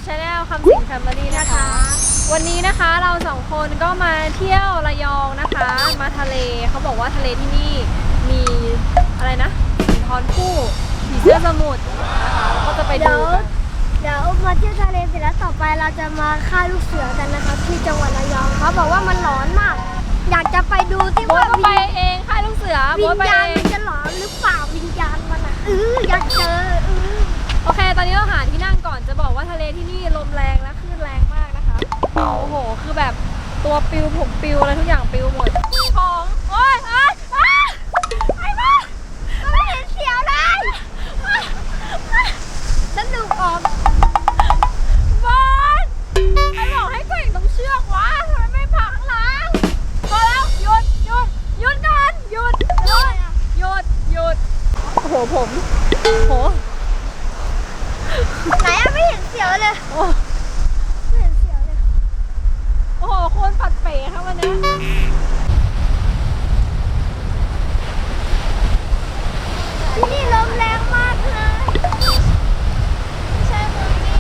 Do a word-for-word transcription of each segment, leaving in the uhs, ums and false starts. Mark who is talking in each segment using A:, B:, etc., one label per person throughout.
A: ชาแนลคำสิงแฟมิลี่นะคะวันนี้นะคะเราสองคนก็มาเที่ยวระยองนะคะมาทะเลเขาบอกว่าทะเลที่นี่มีอะไรนะหินทอนผู้ผีเสื้อสมุทรนะคะก็จะไปดูกัน
B: เดี๋ยวมาเที่ยวทะเลเสร็จแล้วต่อไปเราจะมาฆ่าลูกเสือกันนะคะที่จังหวัดระยองเขาบอกว่ามันร้อนมากอยากจะไปดูที่ว่า
A: ก็ไปเองค่ายลูกเสือ
B: วิญญาณมันจะหลอนหรือเปล่าวิญญาณมันอ่ะเอออยากเจอเออ
A: โอเคตอนนี้เราหาที่นั่งก่อนจะบอกว่าทะเลที่นี่ลมแรงและคลื่นแรงมากนะคะโอ้โหคือแบบตัวปิวผมปิวอะไรทุกอย่างปิวหมดของโอ๊ยโอ๊ยไอ้บ้า
B: ไม่เห็นเสียวเลยสนุกออก
A: บอลไอ้บอกให้เก่งต้องเชือกวะทำไมไม่พักหลังพอแล้วหยุดหยุดหยุดก่อนหยุดหยุดหยุดหยุดโอ้โหผมโห
B: ไหนอะไม่เห็นเสียวเลย
A: โอ้
B: ไม่เห็นเสียวเลย
A: โอ้โหโคนปัดเป๋ครับวันนี้
B: ที่นี่ลมแรงมากเลยไม่ใช่มือนี่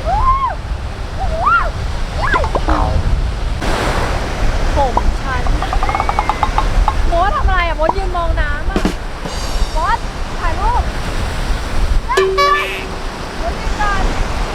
A: ผมชันโมดทำอะไรอ่ะโมดยืนมองน้ำอ่ะโมดถ่ายรูปโมดยืนก่อน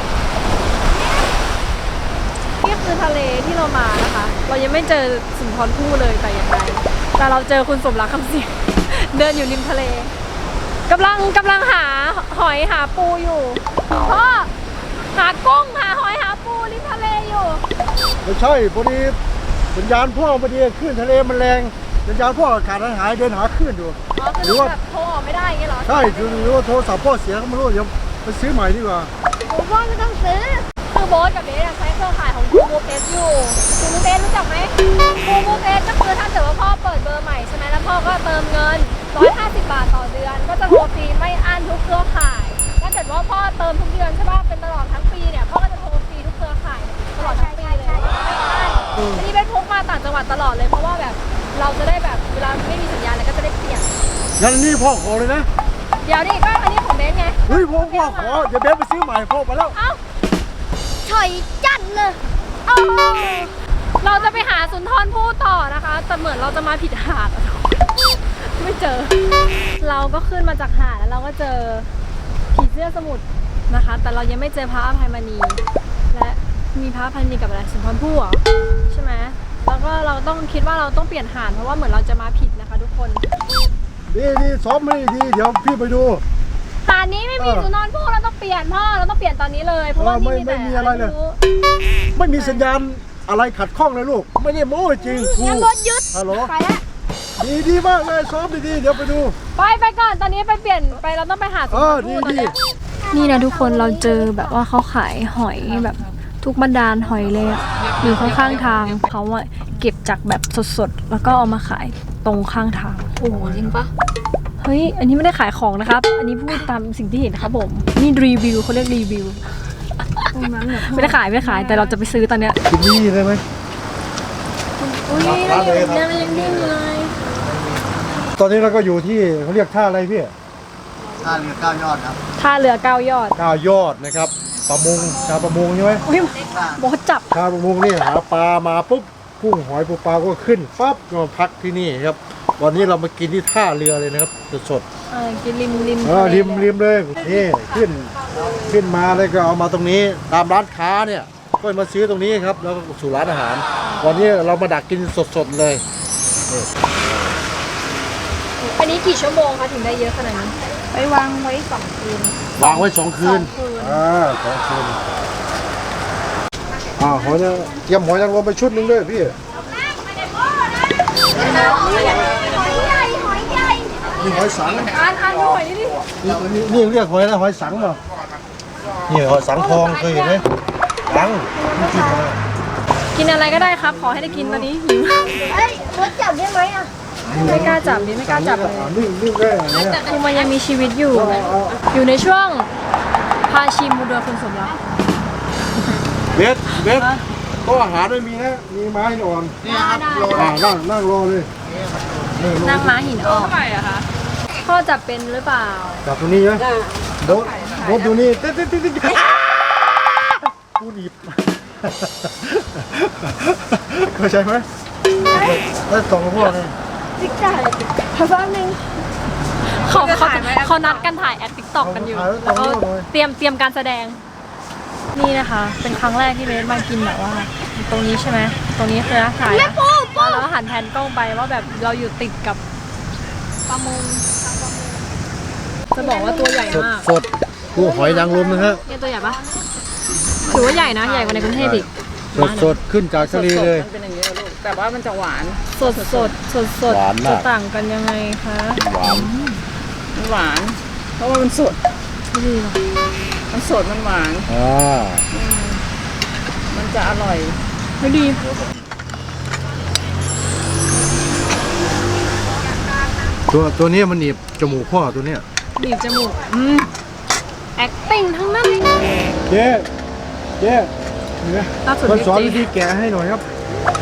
A: นี่คือทะเลที่เรามานะคะเรายังไม่เจอสุนทรภู่เลยแต่อย่างไรแต่เราเจอคุณสมรักคำสิงเดินอยู่ริมทะเลกำลังกำลังหาหอยหาปูอยู่พ่อหากุ้งหาหอยหาปูริมทะเลอยู่
C: ไม่ใช่พอดีสัญญาณพ่อพอดีคลื่นทะเลมันแรงสัญญาณพ่อขาดหายเดินหาคลื่นอยู่
A: อ๋อคือแบบโทรออกไม่ได้ไงเหรอ
C: ใช่หรือว่าโทรศัพท์พ่อเสียก็ไม่รู้เดี๋ยวไปซื้อใหม่ดีกว่า
B: ผมว่าไม่ต้องซื้อ
A: คือโบ๊ทกับเบสใช้เครือข่ายของกูมูเอสอยู่กูมูเอสรู้จักไหมกูมูเอสก็คือถ้าเกิดว่าพ่อเปิดเบอร์ใหม่ใช่ไหมแล้วพ่อก็เติมเงินหนึ่งร้อยห้าสิบบาทต่อเดือนก็จะโทรฟรีไม่อั้นทุกเครือข่ายถ้าเกิดว่าพ่อเติมทุกเดือนใช่ป่ะเป็นตลอดทั้งปีเนี่ยพ่อก็จะโทรฟรีทุกเครือข่ายตลอดทั้งปีเลยอันนี้เป็นพกมาต่างจังหวัดตลอดเลยเพราะว่าแบบเราจะได้แบบเวลาไม่มีสัญญาณอะไรก็จะได้เปลี่ยน
C: งั้นนี่พ่อขอเลยนะ
A: เดี๋ยวดิก็อันนี้ของเบสไง
C: เฮ้ยพ่อพ่อขอเดี๋ยวเบสไปซื้อใหม่พ่อไปแล้ว
A: เอ้า
B: ถอยจัดเลย
A: เราจะไปหาสุนทรภู่ต่อนะคะแต่เหมือนเราจะมาผิดหาดไม่เจอเราก็ขึ้นมาจากหาดแล้วเราก็เจอผีเสื้อสมุทรนะคะแต่เรายังไม่เจอพระอภัยมณีและมีพระอภัยมณีกับอะไรสุนทรภู่เหรอใช่ไหมแล้วก็เราต้องคิดว่าเราต้องเปลี่ยนหาดเพราะว่าเหมือนเราจะมาผิดนะคะทุกคน
C: ดีดีซ้อมไม่ดีเดี๋ยวพี่ไปดู
A: หาดนี้ไม่มีสุนทรภู่เราต้องเปลี่ยนพ่อเราต้องเปลี่ยนตอนนี้เลยเพราะว่าที่มีแต่
C: ไม่มีอะไรเลยไม่มีสัญญาณอะไรขัดข้องเลยลูกไม่ได้โม้จริง
B: งั้นรถยึด
C: ฮัลโหล
B: ไปแล้ว
C: ดีดีมากเลยซ้อมดีๆเดี๋ยวไปดู
A: ไปไปก่อนตอนนี้ไปเปลี่ยนไปเราต้องไปหาสุนทรภู่ตอนนี้นี่นะทุกคนเราเจอแบบว่าเขาขายหอยแบบทุกบรรดาหอยเลยอยู่ข้างๆทางเขาอะเก็บจากแบบสดๆแล้วก็เอามาขายตรงข้างทางโอ้จริงปะเฮ้ยอันนี้ไม่ได้ขายของนะครับอันนี้พูดตามสิ่งที่เห็นครับผมนี่รีวิวเขาเรียกรีวิวไม่ได้ขายไม่ได้ขายแต่เราจะไปซื้อตอนเนี้ย
C: กินนี่ได้ไหม
A: อุ้ยยังยังยังนิ่งเลย
C: ตอนนี้เราก็อยู่ที่เขาเรียกท่าอะไรพี่
D: ท่าเรือเก้ายอดครับ
A: ท่าเรือเก้ายอด
C: เก้ายอดนะครับประมงชาวประมงใช่ไหม
A: อุ้ยบอสจับ
C: ชาวประมงนี่หาปลามาปุ๊บกุ้งหอยปูปลาก็ขึ้นปั๊บก็มาพักที่นี่ครับวันนี้เรามากินที่ท่าเรือเลยนะครับสด
A: ๆเออกินริมริม
C: เออริมริมเลยนี่ขึ้นขึ้นมาเลยก็เอามาตรงนี้ตามร้านค้าเนี่ยก็มาซื้อตรงนี้ครับแล้วก็สู่ร้านอาหารวันนี้เรามาดักกินสดๆเลย
A: อันนี้กี่ชั่วโมงคะถึงได้เยอะขนาดนี้
B: ไปวางไว้สองคืน
C: วางไว้สองคืนอ่าสองคืนอ่าหอยเนี่ยเตรียมหอยนางรมไปชุดนึงด้วยพี่นี่หอยสัง
A: อ่านอ่านหอยนี่ดิ
C: นี่นี่เรียกหอยอะไรหอยสังเหรอนี่หอยสังทองเคยเห็นไหมสังกินมา
A: กินอะไรก็ได้ครับขอให้ได้กินตอนนี้หิว
B: เฮ้ยรถจับได้ไหมอ่ะ
A: ไม่กล้าจับดิไม่กล้าจับเลย
C: นิ่งนิ่งได้เนี่ย
A: คือมันยังมีชีวิตอยู่อยู่ในช่วงพาชิมมูเดอร์คุณสมรัก
C: เบสเบสโต๊ะอาหารไม่มีนะมีไม้หินอ่อน
D: นี่ครับ
C: นั่งนั่งรอเลย
A: นั่งม้าหินอ่อนเท่าไหร่อะคะพ่อจับเป็นหรือเปล่า
C: จับตรงนี้ไหมโบ๊ทโบ๊ทดูนี่ติ๊ดติ๊ดติ๊ดปูหนีบเข้าใจไหมแล้วสองพวกนี่
B: จิ๊กจ่ายขอแป๊บนึง
A: เขาเขาเขานัดกันถ่ายแอดติ๊กต็อกกันอยู่แล้วก็เตรียมเตรียมการแสดงนี่นะคะ เป็นครั้งแรกที่เบสมากินแบบว่า ตรงนี้ใช่ไหมตรงนี้คือร้านขายนะแล้วหันแผนกล้องไปว่าแบบเราอยู่ติดกับประมงจะบอกว่าตัวใหญ่
C: สด
A: มาก
C: สดปูหอยนางรมนะฮะ
A: เนี่ยตัวใหญ่ปะถือว่าใหญ่นะใหญ่กว่าในกรุงเทพอีก
C: สดสดขึ้นจากทะเลเลย
E: มันเป็นอย่างนี้ลูกแต่ว่ามันจะหวาน
A: สดสดสดสด
C: หวานมาก
A: จะต่างกันยังไงคะ
C: หวาน
E: มันหวาน เพราะว่ามันสด
A: ไม่ดีหรอ
E: มันสดมันหวาน
C: อ่า
E: มันจะอร่อย
A: ไม่ดี
C: ตัวตัวนี้มันหนีบจมูกพ่อตัวเนี้ย
A: บีบจมูกอืม acting ทั้งนั้น
C: เจ๊เจ๊เนี่ย
A: ล่าสุด
C: มาสอน
A: จริ
C: วิ
A: ง
C: ธีแกะให้หน่อยครับ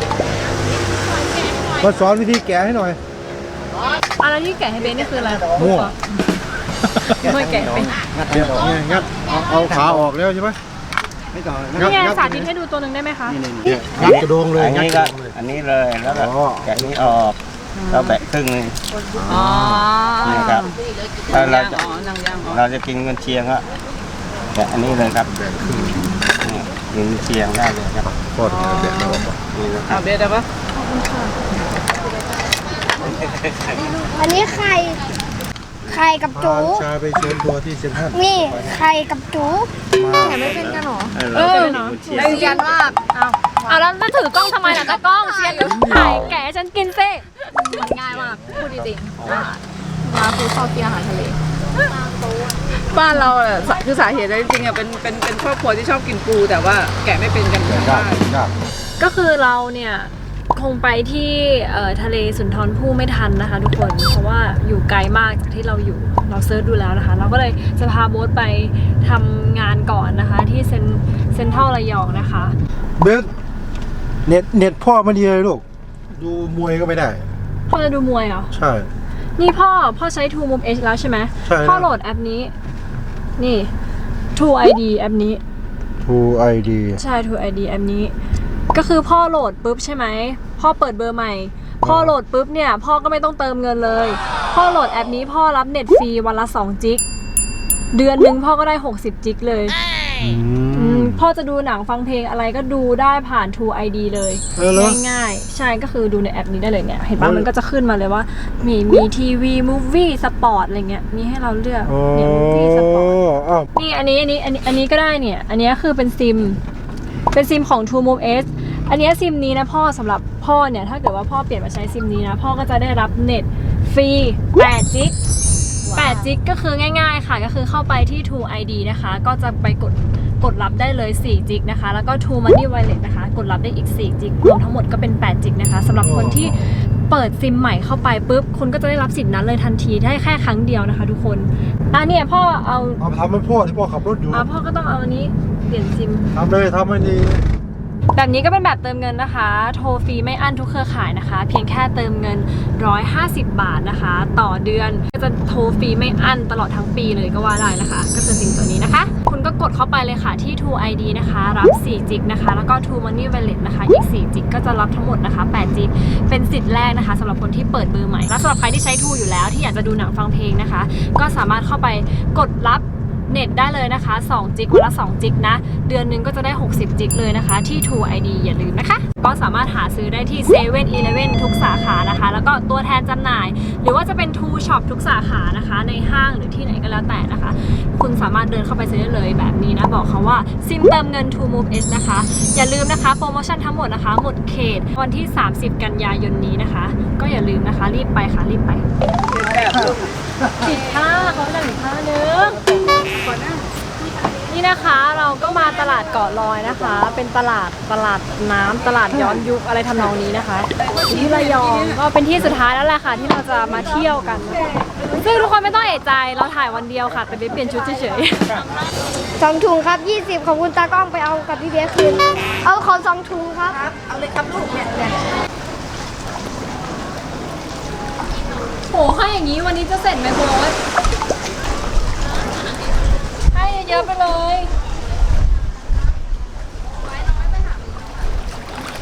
C: มาสอนวิธีแกะให้หน่อย
A: อะไรที่แกะให้เบนนี่คืออะไร
C: มั่ว
A: ไม่แกะเป็น
C: เดี๋ยวไงงัดเอาเอาขาออกแล้วใช่ไหมไม่ต่อ
A: นี่ไงสาธิตให้ดูตัวหนึ่งได้ไหมคะ
C: เนี่ยงัดกระโดงเลย
F: อัน
C: งัด
F: นี้
C: ก
F: ก็
C: ระโดงเลย
F: อันนี้เลยแล้วก็
C: อ๋อ
F: แกะนี้ออกเราแบะครึ่งหนึง
E: อ๋อ
F: นี่ครับถ้าเราจะ
E: อ๋อนางย่างอ๋อ
F: เราจะกินกันเชียงก็แกะอันนี้เลยครับนี่กินเชียงได้เลยครับ
C: พ่อถึงจะแกะแล้วออกมา
F: นี่นะค
E: เอา
F: รับ
E: เบสได้ปะ
B: อันนี้ไข่ไข่กับจู
C: พาชาไปเชิญตัวที่เซ็นทรัล
B: นี่ไข่กับจู
A: แกะไม่เป็นกันหรอ
F: เออเราจะกินกันเชียง
E: ได้กันมาก
A: เอาเอาแล้วแล้วถือกล้องทำไมล่ะตากล้องเชียร์อยู่ถ่ายแกะให้ฉันกินสิง่ายมากพูดจริงๆมาคือชอบกินอาหารทะเล
E: บ้านเราอะสาคือสาเหตุแล้วจริงๆอะเป็นเป็นเป็นครอบครัวที่ชอบกินปูแต่ว่าแกะไม่เป็นกันเยอะ
C: ยาก
E: มาก
C: ยาก
A: ก็คือเราเนี่ยคงไปที่เอ่อทะเลสุนทรภู่ไม่ทันนะคะทุกคนเพราะว่าอยู่ไกลมากจากที่เราอยู่เราเซิร์ชดูแล้วนะคะ เราก็เลยจะพาโบ๊ทไปทำงานก่อนนะคะ ที่เซนเซ็นทรัลระยองนะคะ
C: เบสเน็ตเน็ตพ่อไม่ดีเลยลูกดูมวยก็ไม่ได้
A: พ่อจะดูมวยเหรอ
C: ใช่
A: นี่พ่อพ่อใช้ True Move Edge แล้วใช่ไหม
C: ใช่แล้ว
A: พ่อโหลดแอปนี้ นี่ True ไอ ดี แอปนี้
C: True ไอ ดี
A: ใช่ True ไอ ดี แอปนี้ ก็คือพ่อโหลดปุ๊บใช่ไหม พ่อเปิดเบอร์ใหม่ พ่อโหลดปุ๊บเนี่ย พ่อก็ไม่ต้องเติมเงินเลย พ่อโหลดแอปนี้พ่อรับเน็ตฟรีวันละสองจิก เดือนหนึ่งพ่อก็ได้หกสิบจิกเลย
C: อื
A: อื
C: ม
A: มพ่อจะดูหนังฟังเพลงอะไรก็ดูได้ผ่าน True ไอ ดี เลย
C: เออเหรอ
A: ง่ายๆ ใช่ก็คือดูในแอปนี้ได้เลยเนี่ย เห็นปะ
C: เออ
A: มันก็จะขึ้นมาเลยว่า มีมีทีวีมูฟวี่สปอร์ตอะไรเงี้ยมีให้เราเลือก
C: อ๋อ
A: เนี่ยมูฟวี่สปอร์ต
C: อ้าว
A: นี่อันนี้อันนี้อันนี้อันนี้ก็ได้เนี่ย อันนี้คือเป็นซิม เป็นซิมของ True Move Edge อันนี้ซิมนี้นะพ่อสำหรับพ่อเนี่ยถ้าเกิดว่าพ่อเปลี่ยนมาใช้ซิมนี้นะพ่อก็จะได้รับเน็ตฟรีแปดจิกแปดจิกก็คือง่ายๆค่ะก็คือเข้าไปที่ True ไอ ดี นะคะ ก็จะไปกดกดรับได้เลยสี่จิกนะคะ แล้วก็ True Money Wallet นะคะ กดรับได้อีกสี่จิกรวมทั้งหมดก็เป็นแปดจิกนะคะสำหรับคนที่เปิดซิมใหม่เข้าไปปุ๊บคุณก็จะได้รับสิทธิ์นั้นเลยทันทีได้แค่ครั้งเดียวนะคะ ทุกคนอ่ะเนี่ยพ่อเอา
C: เอาทำให้พ่อที่พ่อขับรถอยู่
A: อ่ะพ่อก็ต้องเอาอันนี้เปลี่ยนซิม
C: ทำเลยทำให้ดี
A: แบบนี้ก็เป็นแบบเติมเงินนะคะ โทรฟรีไม่อั้นทุกเครือข่ายนะคะ เพียงแค่เติมเงินหนึ่งร้อยห้าสิบบาทนะคะ ต่อเดือนก็จะโทรฟรีไม่อั้นตลอดทั้งปีเลยก็ว่าได้นะคะ ก็คือสิ่งตัวนี้นะคะ คุณก็กดเข้าไปเลยค่ะที่ True ไอ ดี นะคะ รับสี่จิกนะคะ แล้วก็ True Money Wallet นะคะอีกสี่จิกก็จะรับทั้งหมดนะคะแปดจิกเป็นสิทธิ์แรกนะคะสำหรับคนที่เปิดเบอร์ใหม่และสำหรับใครที่ใช้ True อยู่แล้วที่อยากจะดูหนังฟังเพลงนะคะ ก็สามารถเข้าไปกดรับเน็ตได้เลยนะคะสองจิกวันละสองจิกนะเดือนหนึงก็จะได้หกสิบจิกเลยนะคะที่ True ไอ ดี อย่าลืมนะคะก็สามารถหาซื้อได้ที่เซเว่นอีเลฟเว่นทุกสาขานะคะแล้วก็ตัวแทนจำหน่าย หรือว่าจะเป็น True Shop ทุกสาขานะคะในห้างหรือที่ไหนก็แล้วแต่นะคะ คุณสามารถเดินเข้าไปซื้อได้เลยแบบนี้นะบอกเขาว่าซิมเติมเงิน True Move Edge นะคะอย่าลืมนะคะโปรโมชั่นทั้งหมดนะคะหมดเขตวันที่สามสิบกันยายนนี้นะคะก็อย่าลืมนะคะรีบไปค่ะรีบไป
E: แบบลูก
A: ปิดผ้าเขาจะอีกผ้านึงนี่นะคะเราก็มาตลาดเกาะลอยนะคะ เป็นตลาดตลาดน้ำตลาดย้อนยุคอะไรทำนองนี้นะคะอยู่ที่ระยองก็เป็นที่สุดท้ายแล้วแหละค่ะที่เราจะมาเที่ยวกันซึ่งทุกคนไม่ต้องเอะใจเราถ่ายวันเดียวค่ะ แต่ไปเปลี่ยนชุดเฉย
B: สองถุงครับยี่สิบขอบคุณตากล้องไปเอากับพี่เบสคืนเอาขอสองถุงครับ
E: เอาเลยครับลูกเนี่ยเนี่ย
A: ๆโหให้อย่างนี้วันนี้จะเสร็จไหมโบ๊ทให้เยอะๆไปเลย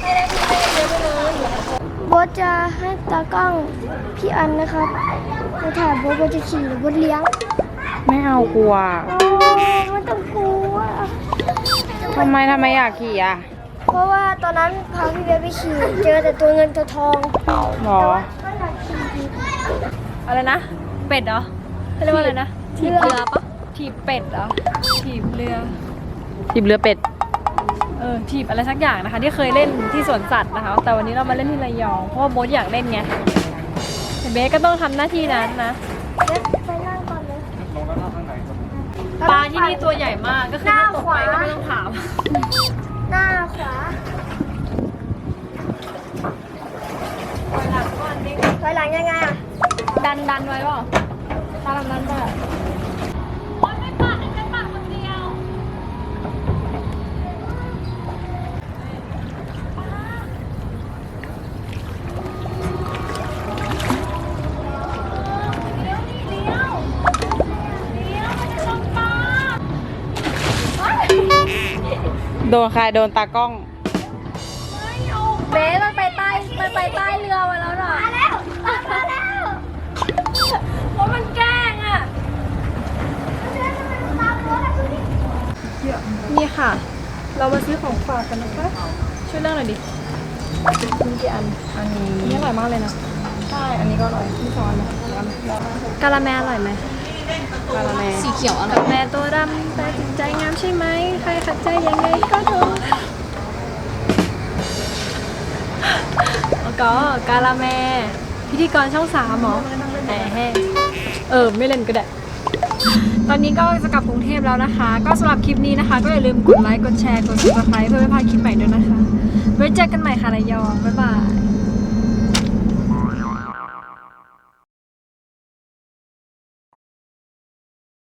A: ไม่ได้พี่ไม่ได้เยอะไปเลย
B: โบทจะให้ตากล้องพี่อันนะครับมาถ่ายโบทโบทจะขี่หรือโบทเลี้ยง
E: ไม่เอากลัว
B: โอ้ยไม่ต้องกลัว
E: ทำไมทำไมอยากขี่อ่ะ
B: เพราะว่าตอนนั้นพาพี่เบสไปขี่เจอแต่ตัวเงินตัวทอง
E: หรอ
B: ก็อยากขี่ดี
A: อะไรนะ เป็ดเหรอเขาเรียกว่าอะไรนะถีบเรือปะถีบเป็ดเหรอถีบเรือ
E: ทีมเรือเป็ด
A: เออถีบอะไรสักอย่างนะคะ ที่เคยเล่นที่สวนสัตว์นะคะ แต่วันนี้เรามาเล่นที่ระยองเพราะว่าโบ๊ทอยากเล่นไงแต่เบสก็ต้องทำหน้าที่นั้นนะ
B: เบสไปนั่งก่อนเลย
A: ปลาที่นี่ตัวใหญ่มากก็คือถ้าตกไปก็ไม่ต้องถาม
B: หน้าขวา
A: ถอยหลังก่อนดิ
B: ถอยหลังยังไงอ่ะ
A: ดันดันไว้เปล่าถ้าทำนั้นได้โอ๊ยไม่ปัดไม่ปัดคนเดียวเลี้ยวนี่เลี้ยวเลี้ยวมันจะชนปลา
E: โดนใครโดนตากล้อง
A: เบสมันไปใต้มันไปใต้เรือมาแล้วหน่อย
B: มาแล้วมาแล้ว
A: เพราะมันแกล้งอ่ะ นี่ค่ะ เรามาซื้อของฝากกันนะคะ ช่วยเลือกหน่อยดิมีกี่อัน
E: อันนี้
A: อันนี้อร่อยมากเลยนะ
E: ใช่อันนี้ก็อร่อย
A: พี่สอนนะกาละแมอร่อยไหม
E: กาละแม
A: สีเขียวอร่อยกาละแมตัวดำแต่จิตใจงามใช่ไหม ใครขัดใจยังไงก็เถอะแล้วก็กาละแม พิธีกรช่องสามเหรอแหมเออ ไม่เล่นก็ได้ ตอนนี้ก็จะกลับกรุงเทพแล้วนะคะ ก็สำหรับคลิปนี้นะคะ ก็อย่าลืมกดไลค์ กดแชร์ กด ซับสไครบ์ เพื่อไม่พลาดคลิปใหม่ด้วยนะคะ ไว้เจอกันใหม่ค่ะระยอง บ๊ายบาย